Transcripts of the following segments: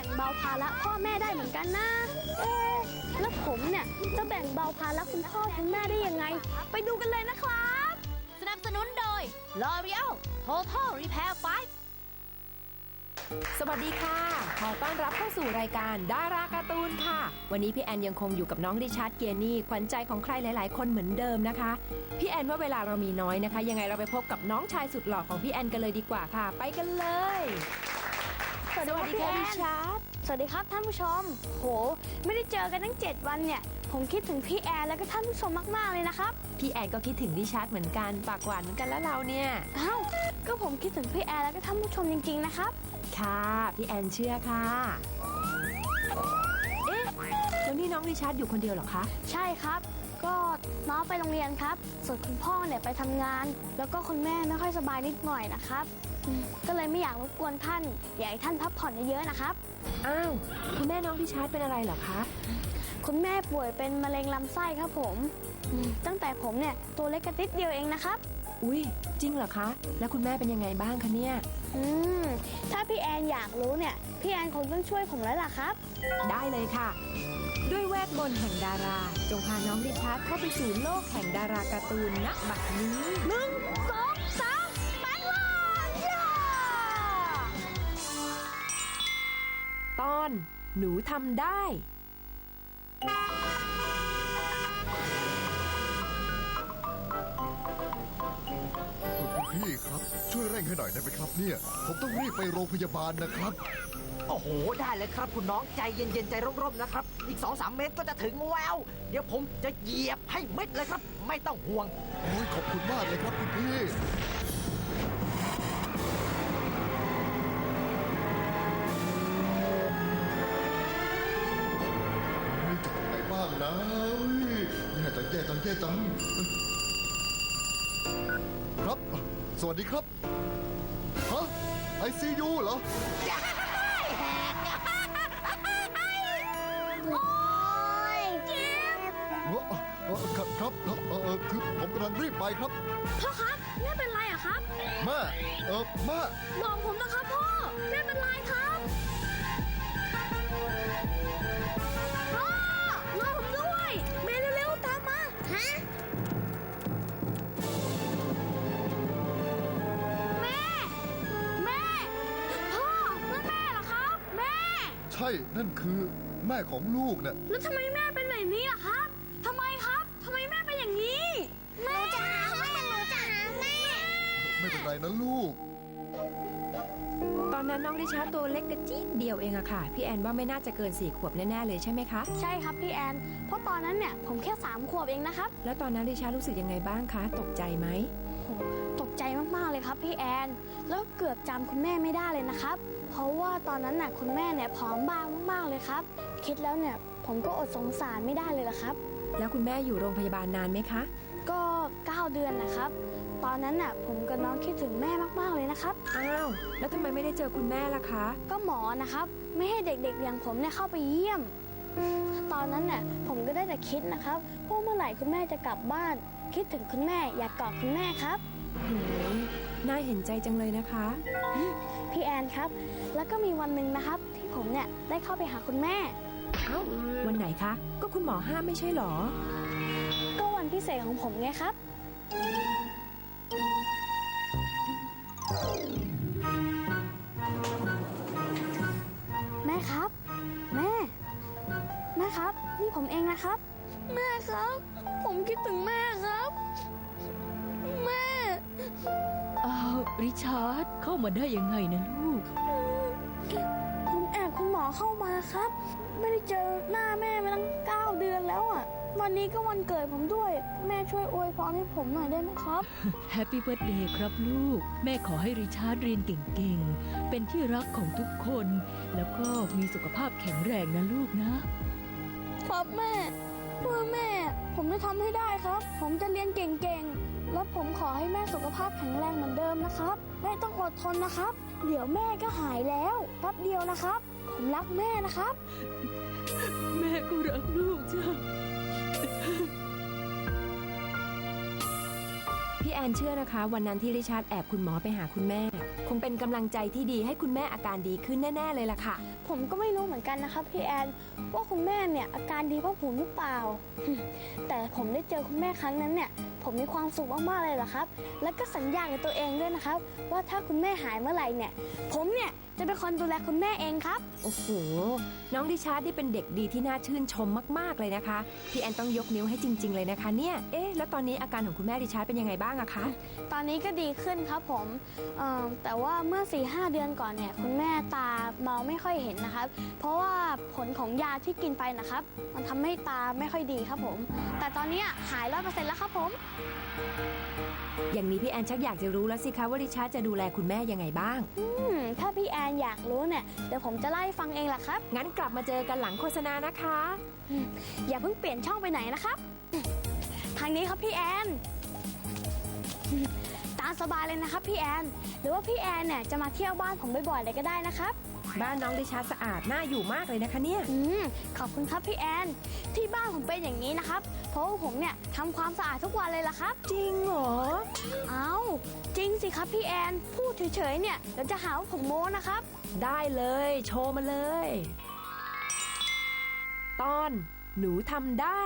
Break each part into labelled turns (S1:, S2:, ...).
S1: งเบาภาระพ่อแม่ได้เหมือนกันนะแล้วผมเนี่ยจะแบ่งเบาภาระคุณพ่อคุณแม่ได้ยังไงไปดูกันเลยนะครับ
S2: สนับสนุนโดย L'Oreal Total Repair 5
S3: สวัสดีค่ะขอต้อนรับเข้าสู่รายการดาราการ์ตูนค่ะวันนี้พี่แอนยังคงอยู่กับน้องริชาร์ดเกียร์นี่ขวัญใจของใครหลายๆคนเหมือนเดิมนะคะพี่แอนว่าเวลาเรามีน้อยนะคะยังไงเราไปพบกับน้องชายสุดหล่อของพี่แอนกันเลยดีกว่าค่ะไปกันเลยสวัสดีค่ะริชาร์ด
S1: สวัสดีครับท่านผู้ชมโหไม่ได้เจอกันตั้ง7 วันเนี่ยผมคิดถึงพี่แอนแล้วก็ท่านผู้ชมมากๆเลยนะครับ
S3: พี่แอนก็คิดถึงริชาร์ดเหมือนกันปากหวานเหมือนกันแล้วเราเนี่ย
S1: อ้าวก็ผมคิดถึงพี่แอนแล้วก็ท่านผู้ชมจริงๆนะครับ
S3: ค่ะพี่แอนเชื่อค่ะเอ๊ะแล้วนี่น้องริชาร์ดอยู่คนเดียวเหรอคะ
S1: ใช่ครับก็น้องไปโรงเรียนครับส่วนคุณพ่อเนี่ยไปทำงานแล้วก็คุณแม่ไม่ค่อยสบายนิดหน่อยนะครับก็เลยไม่อยากรบกวนท่านอยากให้ท่านพักผ่อนเยอะๆนะครับ
S3: อ้าวคุณแม่น้องริชาร์ดเป็นอะไรเหรอคะ
S1: คุณแม่ป่วยเป็นมะเร็งลำไส้ครับผมตั้งแต่ผมเนี่ยตัวเล็กกระติดเดียวเองนะครับ
S3: อุ้ยจริงเหรอคะแล้วคุณแม่เป็นยังไงบ้างคะเนี่ย
S1: ถ้าพี่แอนอยากรู้เนี่ยพี่แอนคงต้องช่วยผมแล้วล่ะครับ
S3: ได้เลยค่ะด้วยเวทมนต์แห่งดาราจงพาน้องริชาร์ดเข้าไปสู่โลกแห่งดาราการ์ตูนณบัดนี้
S1: 1 2 3แปลงร่างย่า
S3: ตอนหนูทำได้
S4: พี่ครับช่วยเร่งให้หน่อยได้ไหมครับเนี่ยผมต้องรีบไปโรงพยาบาลนะครับ
S5: โอ้โหได้เลยครับคุณน้องใจเย็นๆใจร่มๆนะครับอีก 2-3 เมตรก็จะถึงแล้วเดี๋ยวผมจะเหยียบให้มิดเลยครับไม่ต้องห่วง
S4: โอ้ยขอบคุณมากเลยครับคุณพี่จะทำไงบ้างนะแย่จังครับสวัสดีครับฮะICU เหรอ
S1: โอ้ยเจ็บ
S4: ครับคือผมกำลังรีบไปครับ
S1: พ่อครับแม่เป็นไรอะครับ
S4: แม่
S1: บอกผมนะครับพ่อแม่เป็นไรครับพ่อรอผมด้วยแม่เร็วๆตามมาฮะแม่พ่อนั่นแม่เหรอครับแม่
S4: ใช่นั่นคือแม่ของลูกเนี่ย
S1: แล้วทำไมแม่เป็นแบบนี้ล่ะครับทำไมแม่เป็นอย่างนี้แม่จ๋าแม่หนูจ๋าแม่
S4: ไม่เป็นไรนะลูก
S3: ตอนนั้นน้องริชาร์ดตัวเล็กกระจี๊ดเดียวเองอะค่ะพี่แอนว่าไม่น่าจะเกิน4 ขวบแน่ๆเลยใช่ไหมคะ
S1: ใช่ครับพี่แอนเพราะตอนนั้นเนี่ยผมแค่3 ขวบเองนะครับ
S3: แล้วตอนนั้นริชาร์ดรู้สึกยังไงบ้างคะตกใจไหม
S1: ตกใจมากๆเลยครับพี่แอนแล้วเกือบจำคุณแม่ไม่ได้เลยนะครับเพราะว่าตอนนั้นน่ะคุณแม่เนี่ยผอมบางมากๆเลยครับคิดแล้วเนี่ยผมก็อดสงสารไม่ได้เลยละครับ
S3: แล้วคุณแม่อยู่โรงพยาบาลนานไหมคะ
S1: ก็9 เดือนนะครับตอนนั้นน่ะผมกับน้องคิดถึงแม่มากๆเลยนะครับ
S3: อ้าวแล้วทำไมไม่ได้เจอคุณแม่ล่ะคะ
S1: ก็หมอนะครับไม่ให้เด็กๆอย่างผมเนี่ยเข้าไปเยี่ยมตอนนั้นน่ะผมก็ได้แต่คิดนะครับว่าเมื่อไหร่คุณแม่จะกลับบ้านคิดถึงคุณแม่อยากกอดคุณแม่ครับ
S3: น่าเห็นใจจังเลยนะคะ
S1: พี่แอนครับแล้วก็มีวันหนึ่งนะครับที่ผมเนี่ยได้เข้าไปหาคุณแม่
S3: เอ้าวันไหนคะก็คุณหมอห้ามไม่ใช่หรอ
S1: ก็วันพิเศษของผมไงครับแม่ครับแม่ครับนี่ผมเองนะครับแม่ครับผมคิดถึงแม่ครับแม่
S6: อ้าวริชาร์ดเข้ามาได้ยังไงนะลูก
S1: ผมแอบคุณหมอเข้ามาครับไม่ได้เจอหน้าแม่มาตั้ง9 เดือนแล้วอ่ะวันนี้ก็วันเกิดผมด้วยแม่ช่วยอวยพรให้ผมหน่อยได้ไหมครับ
S6: แฮปปี้เบิร์ธเดย์ครับลูกแม่ขอให้ริชาร์ดเรียนเก่งๆเป็นที่รักของทุกคนแล้วก็มีสุขภาพแข็งแรงนะลูก
S1: นะครับแม่เพื่อแม่ผมจะทำให้ได้ครับผมจะเรียนเก่งๆแล้วผมขอให้แม่สุขภาพแข็งแรงเหมือนเดิมนะครับแม่ต้องอดทนนะครับเดี๋ยวแม่ก็หายแล้วแป๊บเดียวนะครับผมรักแม่นะครับ
S6: แม่ก็รักลูกจ้ะ
S3: พี่แอนเชื่อนะคะวันนั้นที่ริชาร์ดแอบคุณหมอไปหาคุณแม่คงเป็นกำลังใจที่ดีให้คุณแม่อาการดีขึ้นแน่ๆเลยล่ะค่ะ
S1: ผมก็ไม่รู้เหมือนกันนะครับพี่แอนว่าคุณแม่เนี่ยอาการดีเพราะผมหรือเปล่า แต่ผมได้เจอคุณแม่ครั้งนั้นเนี่ยผมมีความสุขมากๆเลยล่ะครับ แล้วก็สัญญากับตัวเองด้วยนะครับ ว่าถ้าคุณแม่หายเมื่อไหร่เนี่ย ผมเนี่ยจะเป็นคนดูแลคุณแม่เองครับ
S3: โอ้โห น้องริชาร์ดนี่เป็นเด็กดีที่น่าชื่นชมมากๆเลยนะคะ พี่แอนต้องยกนิ้วให้จริง ๆเลยนะคะเนี่ย แล้วตอนนี้อาการของคุณแม่ริชาร์ดเป็นยังไงบ้างอะคะ
S1: ตอนนี้ก็ดีขึ้นครับผมแต่ว่าเมื่อ 4-5 เดือนก่อนเนี่ยคุณแม่ตามองไม่ค่อยเห็นนะครับ เพราะว่าผลของยาที่กินไปนะครับ มันทำให้ตาไม่ค่อยดีครับผม แต่ตอนนี้หาย100%แล้วครับผม
S3: อย่างนี้พี่แอนชักอยากจะรู้แล้วสิคะว่าริชาร์ดจะดูแลคุณแม่ยังไงบ้าง
S1: ถ้าพี่แอนอยากรู้เนี่ยเดี๋ยวผมจะเล่าให้ฟังเองล่ะครับ
S3: งั้นกลับมาเจอกันหลังโฆษณานะคะ
S1: อย่าเพิ่งเปลี่ยนช่องไปไหนนะครับ ทางนี้ครับพี่แอน ตามสบายเลยนะครับพี่แอน หรือว่าพี่แอนเนี่ยจะมาเที่ยวบ้านผมบ่อยๆเลยก็ได้นะครับ
S3: บ้านน้องริชาร์ดสะอาดน่าอยู่มากเลยนะคะเนี่ย
S1: ขอบคุณครับพี่แอน ที่บ้านผมเป็นอย่างนี้นะครับ เพราะว่าผมเนี่ยทำความสะอาดทุกวันเลยล่ะครับ
S3: จริงเหรอ
S1: เอ้าจริงสิครับพี่แอน พูดเฉยๆเนี่ยเดี๋ยวจะหาว่าผมโม้นะครับ
S3: ได้เลย โชว์มาเลย ตอนหนูทำได้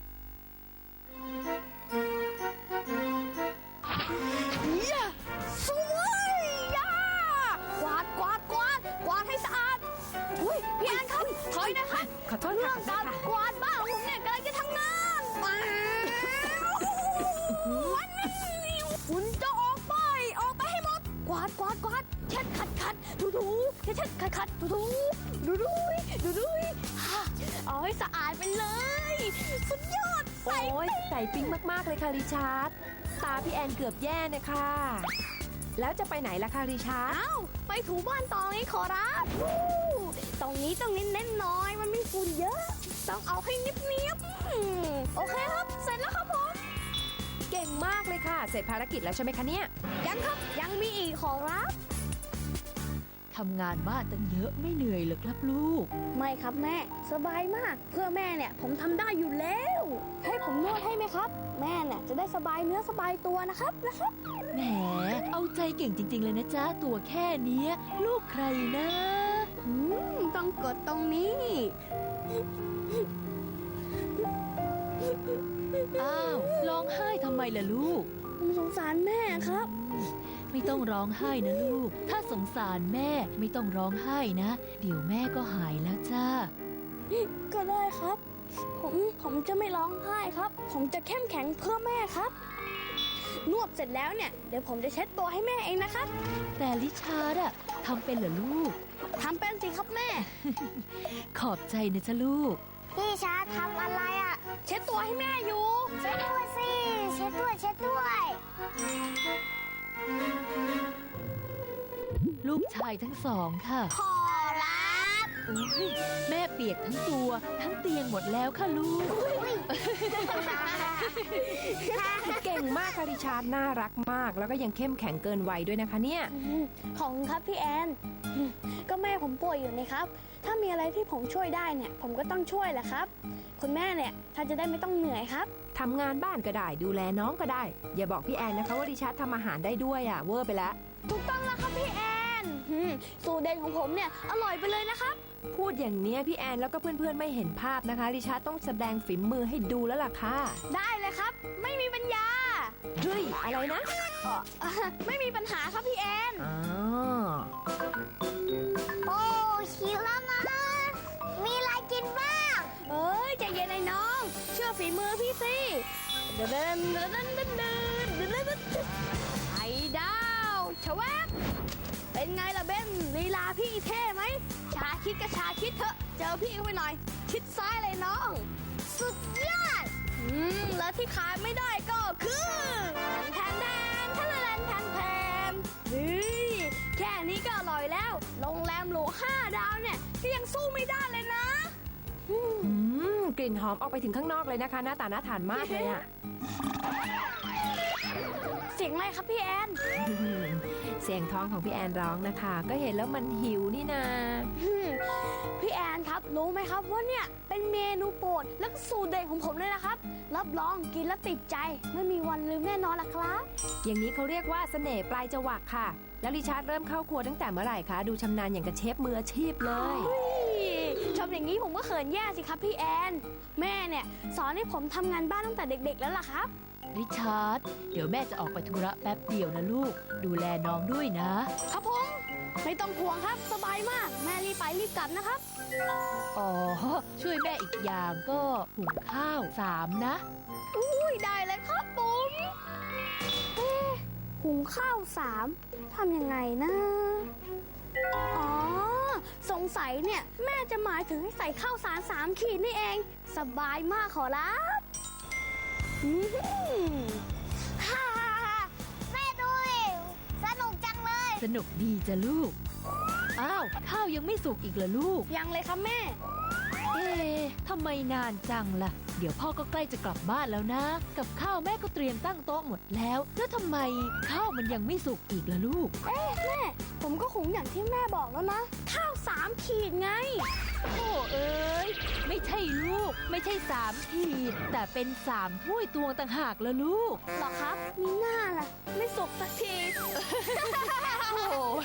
S1: สวยย่ากวาดให้สะอาดอุ้ยพี่แอนครับถอยนะครับ
S3: ขอโทษ
S1: เรื่
S3: ค่ะ
S1: องการกวาดบ้านของผมเนี่ยกำลังจะทำงานฝุ่นจะออกไปให้หมดกวาดเช็ดขัดถูเช็ดขัดถูดูเอาให้สะอาดไปเลยสุดยอด
S3: โอ้ยใส่ปิ๊งมากๆเลยค่ะริชาร์ดตาพี่แอนเกือบแย่นะคะแล้วจะไปไหนล่ะคะริชาร์ด
S1: อ้าวไปถูบ้านตองนี้ขอรับตรงนี้ต้องเน้นน้อยมันมีฝุ่นเยอะ ต้องเอาให้เนียบโอเคครับ เสร็จแล้วครับผม
S3: เก่งมากเลยค่ะ เสร็จภารกิจแล้วใช่ไหมคะเนี่ย
S1: ยังครับยังมีอีกขอรับ
S6: ทำงานบ้านตั้งเยอะไม่เหนื่อยเหรอครับลูก
S1: ไม่ครับแม่สบายมาก เพื่อแม่เนี่ยผมทำได้อยู่แล้ว ให้ผมนวดให้ไหมครับ แม่เนี่ยจะได้สบายเนื้อสบายตัวนะครับ
S6: แหม เอาใจเก่งจริง ๆ เลยนะจ๊ะ ตัวแค่เนี้ย ลูกใครนะ
S1: ต้องกดตรงนี้
S6: อ้าว ร้องไห้ทำไมล่ะลูก
S1: ผมสงสารแม่ครับ
S6: ไม่ต้องร้องไห้นะลูก ถ้าสงสารแม่ไม่ต้องร้องไห้นะ เดี๋ยวแม่ก็หายแล้วจ้า
S1: ก็ได้ครับ ผมจะไม่ร้องไห้ครับ ผมจะเข้มแข็งเพื่อแม่ครับ นวดเสร็จแล้วเนี่ยเดี๋ยวผมจะเช็ดตัวให้แม่เองนะครับ
S6: แต่ลิชาร์ดอะทำเป็นเหรอลูก
S1: ทำเป็นสิครับแม่
S6: ขอบใจนะจ๊ะลูก
S1: พี่ชาทำอะไรอ่ะ เช็ดตัวให้แม่อยู่ เช็ดด้วยสิ เช็ดด้วย
S6: ลูกชายทั้งสองค่ะ
S1: ขอรับ
S6: โอ้ยแม่เปียกทั้งตัวทั้งเตียงหมดแล้วค่ะลูก
S3: เก่งมากค่ะริชาร์ดน่ารักมาก แล้วก็ยังเข้มแข็งเกินวัยด้วยนะคะเนี่ย
S1: ของครับพี่แอน ก็แม่ผมป่วยอยู่นี่ครับ ถ้ามีอะไรที่ผมช่วยได้เนี่ย ผมก็ต้องช่วยแหละครับ คุณแม่เนี่ยท่านจะได้ไม่ต้องเหนื่อยครับ
S3: ทำงานบ้านก็ได้ดูแลน้องก็ได้ อย่าบอกพี่แอนนะคะว่าริชาร์ดทำอาหารได้ด้วยอ่ะเวอร์ไปแล้ว
S1: ถูกต้องแล้วครับพี่แอนสูตรเด็ดของผมเนี่ยอร่อยไปเลยนะครับ
S3: พูดอย่างเนี้ยพี่แอนแล้วก็เพื่อนๆไม่เห็นภาพนะคะริชาร์ดต้องแสดงฝีมือให้ดูแล้วล่ะค่ะ
S1: ได้เลยครับ ไม่มีปัญญา
S3: เฮ้ยอะไรนะ
S1: ไม่มีปัญหาครับพี่แอน
S3: อ๋อ
S1: โอ้ชิลแล้วนะ มีอะไรกินบ้างเอ้ยใจเย็นไอ้น้อง เชื่อฝีมือพี่สิเดินไอ้ดาวชะแวบเป็นไงล่ะเบนลีลาพี่เท่ไหมชาคิดก็ชาคิดเถอะ เจอพี่เข้าไปหน่อย ชิดซ้ายเลยน้อง สุดยอดแล้วที่ขายไม่ได้ก็คือแทนเฮ้ยแค่นี้ก็อร่อยแล้ว โรงแรมหรู5 ดาวเนี่ยก็ยังสู้ไม่ได้เลยนะ
S3: กลิ่นหอมออกไปถึงข้างนอกเลยนะคะ หน้าตาน่าทานมากเลยอ่ะ
S1: เสียงอะไรครับพี่แอน
S3: เสียงท้องของพี่แอนร้องนะคะ ก็เห็นแล้วมันหิวนี่นา
S1: พี่แอนครับรู้ไหมครับว่าเนี่ยเป็นเมนูโปรดและก็สูตรเด็ดของผมเลยนะครับ รับรองกินแล้วติดใจไม่มีวันลืมแน่นอนล่ะครับ
S3: อย่างนี้เขาเรียกว่าเสน่ห์ปลายจวักค่ะแล้วริชาร์ดเริ่มเข้าครัวตั้งแต่เมื่อไหร่คะดูชำนาญอย่างกับเชฟมืออาชีพเลย
S1: ชมอย่างนี้ผมก็เขินแย่สิครับพี่แอน แม่เนี่ยสอนให้ผมทำงานบ้านตั้งแต่เด็กๆแล้วล่ะครับ
S6: ริชาร์ดเดี๋ยวแม่จะออกไปธุระแป๊บเดียวนะลูก ดูแลน้องด้วยนะ
S1: ครับผมไม่ต้องห่วงครับสบายมากแม่รีบไปรีบกลับนะครับ
S6: อ๋อ ช่วยแม่อีกอย่างก็หุงข้าว3 นะ
S1: อุ้ยได้เลยครับผมเอ๊ะหุงข้าว3ทำยังไงนะอ๋อสงสัยเนี่ยแม่จะหมายถึงให้ใส่ข้าวสาร3 ขีดนี่เอง สบายมากขอรับอื้อหือ
S2: ฮ่าฮ่าฮ่าแม่ดูดิสนุกจังเลย
S6: สนุกดีจ้ะลูก อ้าว ข้าวยังไม่สุกอีกเหรอลูก
S1: ยังเลยครับแม่
S6: เอ๊ะทำไมนานจังล่ะ เดี๋ยวพ่อก็ใกล้จะกลับบ้านแล้วนะ กับข้าวแม่ก็เตรียมตั้งโต๊ะหมดแล้ว แล้วทำไมข้าวมันยังไม่สุกอีกล่ะลูก
S1: แม่ผมก็หุงอย่างที่แม่บอกแล้วนะ ข้าว3 ขีดไง
S6: โอ้เอ้ยไม่ใช่ลูก ไม่ใช่3 ขีด แต่เป็น3 ถ้วยตวงต่างหากละลูก
S1: หรอครับ มีหน้าล่ะ ไม่สุกสักที
S6: โอ้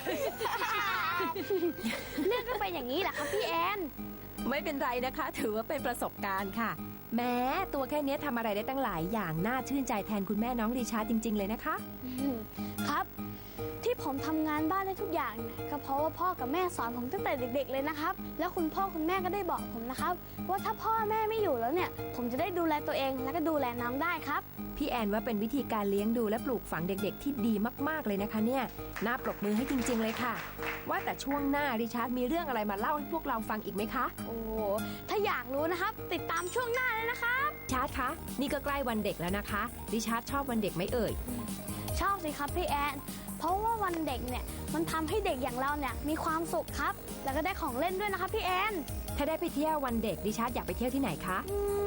S1: เรื่องก็เป็นอย่างนี้แหละครับพี่แอน
S3: ไม่เป็นไรนะคะ ถือว่าเป็นประสบการณ์ค่ะ แม้ตัวแค่เนี้ยทำอะไรได้ตั้งหลายอย่างน่าชื่นใจแทนคุณแม่น้องริชาร์ดจริง ๆ เลยนะคะ
S1: ครับ ที่ผมทำงานบ้านได้ทุกอย่างเนี่ยก็เพราะว่าพ่อกับแม่สอนผมตั้งแต่เด็ก ๆเลยนะครับ แล้วคุณพ่อคุณแม่ก็ได้บอกผมนะครับ ว่าถ้าพ่อแม่ไม่อยู่แล้วเนี่ย ผมจะได้ดูแลตัวเองและก็ดูแลน้องได้ครับ
S3: พี่แอนว่าเป็นวิธีการเลี้ยงดูและปลูกฝังเด็กๆ ที่ดีมากๆเลยนะคะเนี่ยน่าปรบมือให้จริง ๆ เลยค่ะ ว่าแต่ช่วงหน้าริชาร์ดมีเรื่องอะไรมาเล่าให้พวกเราฟังอีกไหมคะ
S1: โอ้ถ้าอยากรู้นะครับ ติดตามช่วงหน้าเลยนะครับ
S3: ริชาร์ดคะนี่ก็ใกล้วันเด็กแล้วนะคะริชาร์ดชอบวันเด็กไหมเอ่ย
S1: ชอบสิครับพี่แอน เพราะว่าวันเด็กเนี่ยมันทำให้เด็กอย่างเราเนี่ยมีความสุขครับ แล้วก็ได้ของเล่นด้วยนะครับพี่แอน
S3: ถ้าได้ไปเที่ยววันเด็กริชาร์ดอยากไปเที่ยวที่ไหนคะ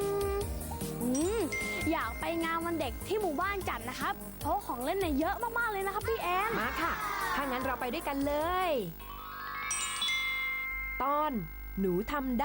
S1: อยากไปงานวันเด็กที่หมู่บ้านจัดนะครับ เพราะของเล่นเนี่ยเยอะมากๆเลยนะครับพี่แอน
S3: มาค่ะถ้างั้นเราไปด้วยกันเลย ตอนหนูทำได้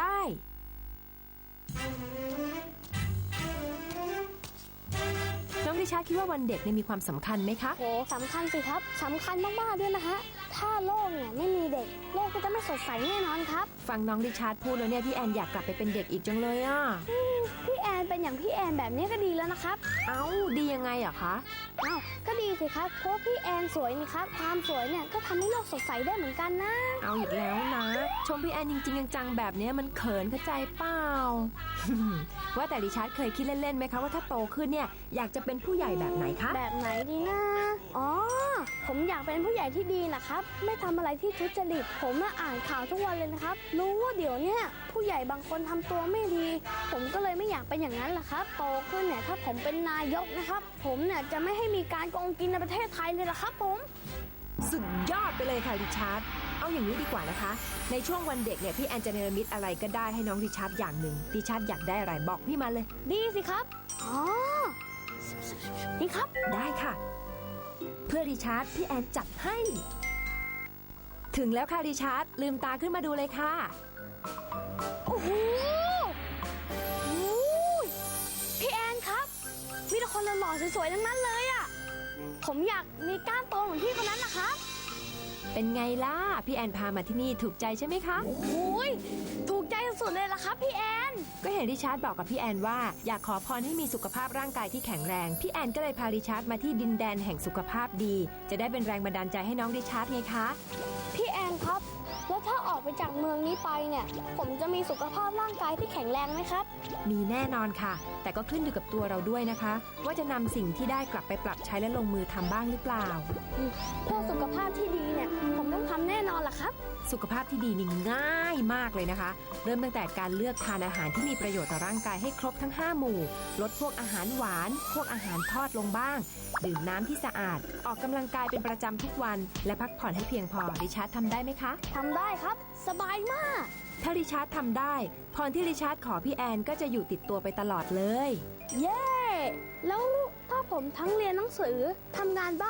S3: น้องริชาร์ดคิดว่าวันเด็กเนี่ยมีความสำคัญไหมคะ
S1: โหสำคัญสิครับสำคัญมากๆด้วยนะฮะถ้าโลกเนี่ยไม่มีเด็กโลกก็จะไม่สดใสแน่นอนครับ
S3: ฟังน้องริชาร์ดพูดแล้วเนี่ยพี่แอนอยากกลับไปเป็นเด็กอีกจังเลยอ่ะ
S1: พี่แอนเป็นอย่างพี่แอนแบบนี้ก็ดีแล้วนะครับ
S3: เอ้าดียังไงอะคะ
S1: อ้าวก็ดีสิครับเพราะพี่แอนสวยนี่ครับความสวยเนี่ยก็ทำให้โลกสดใสได้เหมือนกันนะ
S3: เอาอีกแล้วนะ ชมพี่แอนจริงๆจังๆแบบเนี้ยมันเขินเข้าใจเปล่า ว่าแต่ริชาร์ดเคยคิดเล่นๆไหมคะว่าถ้าโตขึ้นเนี่ยอยากจะเป็นผู้ใหญ่แบบไหนคะ
S1: แบบไหนดีนะอ๋อผมอยากเป็นผู้ใหญ่ที่ดีนะครับไม่ทำอะไรที่ทุจริตผมน่ะอ่านข่าวทุกวันเลยนะครับรู้ว่าเดี๋ยวเนี่ยผู้ใหญ่บางคนทำตัวไม่ดี ผมก็เลยไม่อยากเป็นอย่างนั้นแหละครับโตขึ้นเนี่ยถ้าผมเป็นนายกนะครับผมเนี่ยจะไม่ให้มีการโกงกินในประเทศไทยเลยละครับผม
S3: สุดยอดไปเลยค่ะริชาร์ดเอาอย่างนี้ดีกว่านะคะในช่วงวันเด็กเนี่ยพี่แอนจะเนรมิตอะไรก็ได้ให้น้องริชาร์ดอย่างหนึ่งริชาร์ดอยากได้อะไรบอกพี่มาเลย
S1: ดีสิครับอ๋อนี่ครับ
S3: ได้ค่ะ เพื่อริชาร์ดพี่แอนจัดให้ ถึงแล้วค่ะริชาร์ดลืมตาขึ้นมาดูเลยค่ะ
S1: โอ้โหโอ้ยพี่แอนครับมีแต่คนหล่อๆสวยๆทั้งนั้นเลยอ่ะผมอยากมีก้านโตเหมือนพี่คนนั้นนะครับ
S3: เป็นไงล่ะพี่แอนพามาที่นี่ถูกใจใช่ไหมคะ
S1: โอ้ยถูกใจสุดๆเลยล่ะครับพี่แอน
S3: ก็เห็นริชาร์ดบอกกับพี่แอนว่าอยากขอพรให้มีสุขภาพร่างกายที่แข็งแรงพี่แอนก็เลยพาริชาร์ดมาที่ดินแดนแห่งสุขภาพดี จะได้เป็นแรงบันดาลใจให้น้องริชาร์ดไงคะ
S1: พี่แอนครับแล้วถ้าออกไปจากเมืองนี้ไปเนี่ยผมจะมีสุขภาพร่างกายที่แข็งแรงไหมครับ
S3: มีแน่นอนค่ะ แต่ก็ขึ้นอยู่กับตัวเราด้วยนะคะ ว่าจะนำสิ่งที่ได้กลับไปปรับใช้และลงมือทำบ้างหรือเปล่า
S1: เพื่อสุขภาพที่ดีเนี่ยผมต้องทำแน่นอนล่ะครับ
S3: สุขภาพที่ดีนี่ง่ายมากเลยนะคะ เริ่มตั้งแต่การเลือกทานอาหารที่มีประโยชน์ต่อร่างกายให้ครบทั้ง5หมู่ลดพวกอาหารหวานพวกอาหารทอดลงบ้างดื่มน้ำที่สะอาดออกกำลังกายเป็นประจำทุกวันและพักผ่อนให้เพียงพอริชาร์ดทำได้ไหมคะ
S1: ทำได้ครับสบายมาก
S3: ถ้าริชาร์ดทำได้พรที่ริชาร์ดขอพี่แอนก็จะอยู่ติดตัวไปตลอดเลย
S1: เย้แล้วถ้าผมทั้งเรียนหนังสือทำงานบ้าน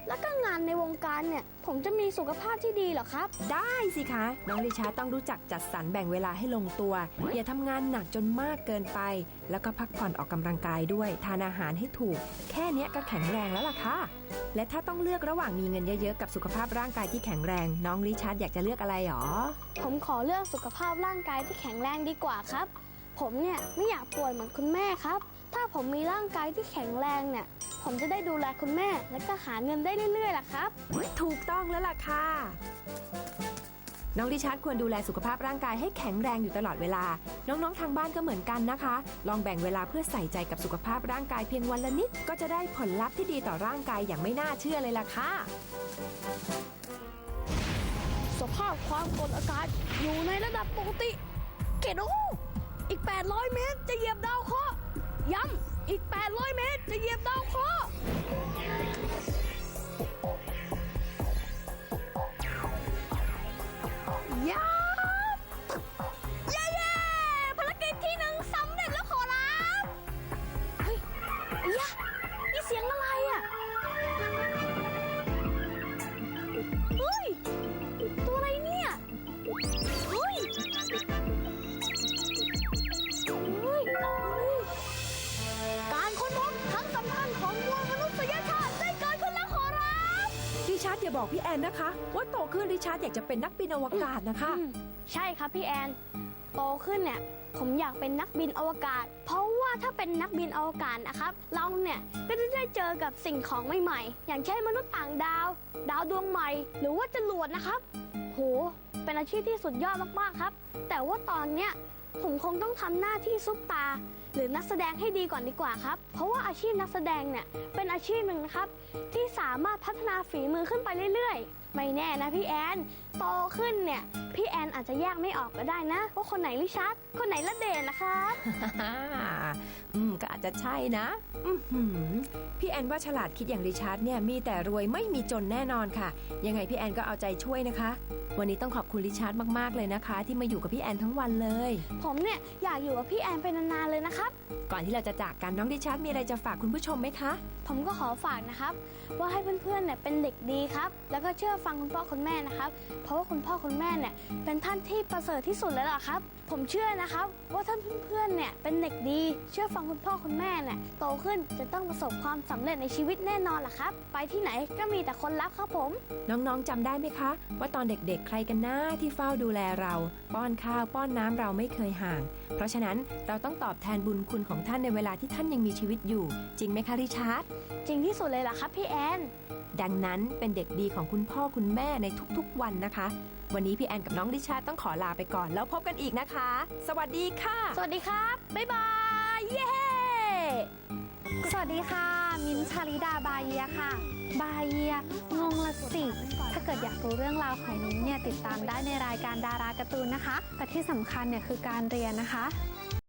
S1: แล้วก็งานในวงการเนี่ย ผมจะมีสุขภาพที่ดีเหรอครับ
S3: ได้สิคะ น้องริชาร์ดต้องรู้จักจัดสรรแบ่งเวลาให้ลงตัว อย่าทำงานหนักจนมากเกินไป แล้วก็พักผ่อนออกกำลังกายด้วย ทานอาหารให้ถูก แค่เนี้ยก็แข็งแรงแล้วล่ะค่ะ และถ้าต้องเลือกระหว่างมีเงินเยอะๆกับสุขภาพร่างกายที่แข็งแรง น้องริชาร์ดอยากจะเลือกอะไรหรอ
S1: ผมขอเลือกสุขภาพร่างกายที่แข็งแรงดีกว่าครับ ผมเนี่ยไม่อยากป่วยเหมือนคุณแม่ครับ ถ้าผมมีร่างกายที่แข็งแรงเนี่ย ผมจะได้ดูแลคุณแม่ และก็หาเงินได้เรื่อยๆล่ะครับ
S3: ถูกต้องแล้วล่ะค่ะ น้องริชาร์ดควรดูแลสุขภาพร่างกายให้แข็งแรงอยู่ตลอดเวลา น้องๆทางบ้านก็เหมือนกันนะคะ ลองแบ่งเวลาเพื่อใส่ใจกับสุขภาพร่างกายเพียงวันละนิด ก็จะได้ผลลัพธ์ที่ดีต่อร่างกายอย่างไม่น่าเชื่อเลยล่ะค่ะ
S1: สภาพความกดอากาศอยู่ในระดับปกติ เกตโออีก 800 เมตรจะเหยียบดาวเคราะห์ย้ำอีก 800 เมตรจะเหยียบดาวเคราะห์ย้ำเย้ภารกิจที่หนึ่งสำเร็จแล้วขอรับเฮ้ยยะนี่เสียงอะไรอ่ะ เฮ้ย ตัวอะไรเนี่ย เฮ้ย เฮ้ย การค้นพบครั้งสำคัญของมวลมนุษยชาติได้เกิดขึ้นแล้วขอรับ
S3: ริชาร์ดอย่าบอกพี่แอนนะคะ ว่าโตขึ้นริชาร์ดอยากจะเป็นนักบินอวกาศนะคะ
S1: ใช่ครับพี่แอน โตขึ้นเนี่ย ผมอยากเป็นนักบินอวกาศ เพราะว่าถ้าเป็นนักบินอวกาศนะครับ เราเนี่ยก็จะได้เจอกับสิ่งของใหม่ๆ อย่างเช่นมนุษย์ต่างดาว ดาวดวงใหม่ หรือว่าจรวดนะครับ โห เป็นอาชีพที่สุดยอดมากๆครับ แต่ว่าตอนเนี้ยผมคงต้องทำหน้าที่ซุปตา หรือนักแสดงให้ดีก่อนดีกว่าครับ เพราะว่าอาชีพนักแสดงเนี่ยเป็นอาชีพหนึ่งนะครับ ที่สามารถพัฒนาฝีมือขึ้นไปเรื่อยๆ ไม่แน่นะพี่แอน โตขึ้นเนี่ยพี่แอนอาจจะแยกไม่ออกก็ได้นะว่าคนไหนริชาร์ดคนไหนละเดนนะครับ
S3: ก็อาจจะใช่นะอื้อหือพี่แอนว่าฉลาดคิดอย่างริชาร์ดเนี่ยมีแต่รวยไม่มีจนแน่นอนค่ะ ยังไงพี่แอนก็เอาใจช่วยนะคะ วันนี้ต้องขอบคุณริชาร์ดมากๆเลยนะคะ ที่มาอยู่กับพี่แอนทั้งวันเลย
S1: ผมเนี่ยอยากอยู่กับพี่แอนเป็นนานๆเลยนะครับ
S3: ก่อนที่เราจะจากกันน้องริชาร์ดมีอะไรจะฝากคุณผู้ชมไหมคะ
S1: ผมก็ขอฝากนะครับ ว่าให้เพื่อนๆเนี่ยเป็นเด็กดีครับ แล้วก็เชื่อฟังคุณพ่อคุณแม่นะครับ เพราะว่าคุณพ่อคุณแม่เนี่ยเป็นท่านที่ประเสริฐที่สุดแล้วล่ะครับ ผมเชื่อนะครับว่าท่านเพื่อนๆเนี่ยเป็นเด็กดี เชื่อฟังคุณพ่อคุณแม่เนี่ยโตขึ้นจะต้องประสบความสำเร็จในชีวิตแน่นอนล่ะครับ ไปที่ไหนก็มีแต่คนรักครับผม
S3: น้องๆจำได้ไหมคะ ว่าตอนเด็กๆใครกันนะที่เฝ้าดูแลเรา ป้อนข้าวป้อนน้ำเราไม่เคยห่าง เพราะฉะนั้นเราต้องตอบแทนบุญคุณของท่านในเวลาที่ท่านยังมีชีวิตอยู่ จริงไหมคะริชาร์ด
S1: จริงที่สุดเลยล่ะครับพี่แอน
S3: ดังนั้นเป็นเด็กดีของคุณพ่อคุณแม่ในทุกๆวันนะคะ วันนี้พี่แอนกับน้องริชาร์ดต้องขอลาไปก่อนแล้วพบกันอีกนะคะ สวัสดีค่ะ
S1: สวัสดีครับ บ๊ายบาย เย้
S2: สวัสดีค่ะ มิ้นท์ชาลิดาบาเยียค่ะ บาเยียงงละสิ ถ้าเกิดอยากรู้เรื่องราวของมิ้นท์เนี่ยติดตามได้ในรายการดาราการ์ตูนนะคะ แต่ที่สำคัญเนี่ยคือการเรียนนะคะ